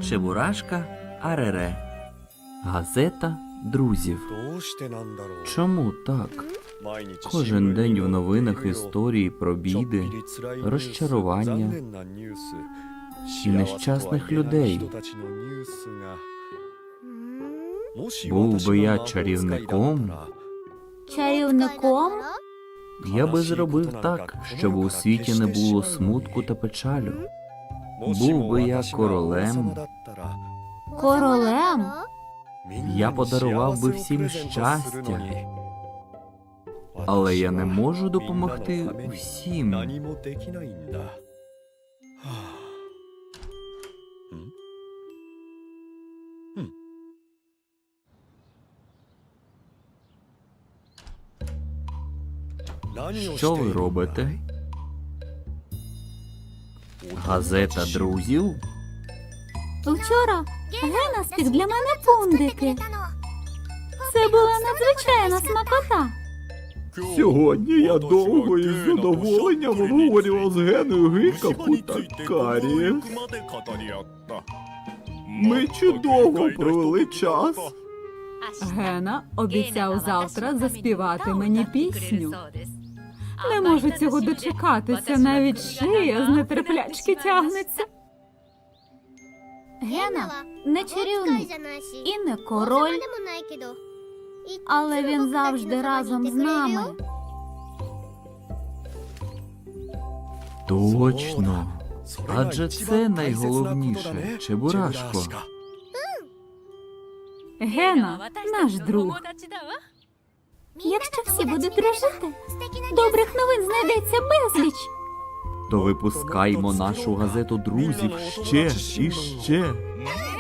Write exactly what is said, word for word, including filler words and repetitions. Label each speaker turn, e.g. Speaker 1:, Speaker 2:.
Speaker 1: Чебурашка Арере. Газета друзів. Чому так? Кожен день в новинах історії про біди, розчарування і нещасних людей. Був би я чарівником,
Speaker 2: Чарівником?
Speaker 1: я би зробив так, щоб у світі не було смутку та печалю. Був би я королем,
Speaker 2: Королем?
Speaker 1: я подарував би всім щастя. Але я не можу допомогти всім. Що ви робите? Газета друзів?
Speaker 2: Вчора Гена спік для мене пундики. Це була надзвичайна смакота.
Speaker 3: Сьогодні я довго і з задоволенням обговорював з Геною гикавку та карі. Ми чудово провели час.
Speaker 4: Гена обіцяв завтра заспівати мені пісню. Не можу цього дочекатися, навіть шия з нетерплячки тягнеться.
Speaker 2: Гена не чарівник і не король, але він завжди разом з нами.
Speaker 1: Точно. Адже це найголовніше, Чебурашко.
Speaker 4: Гена – наш друг.
Speaker 2: Якщо всі будуть дружити, добрих новин знайдеться безліч.
Speaker 1: То випускаймо нашу газету друзів ще і ще.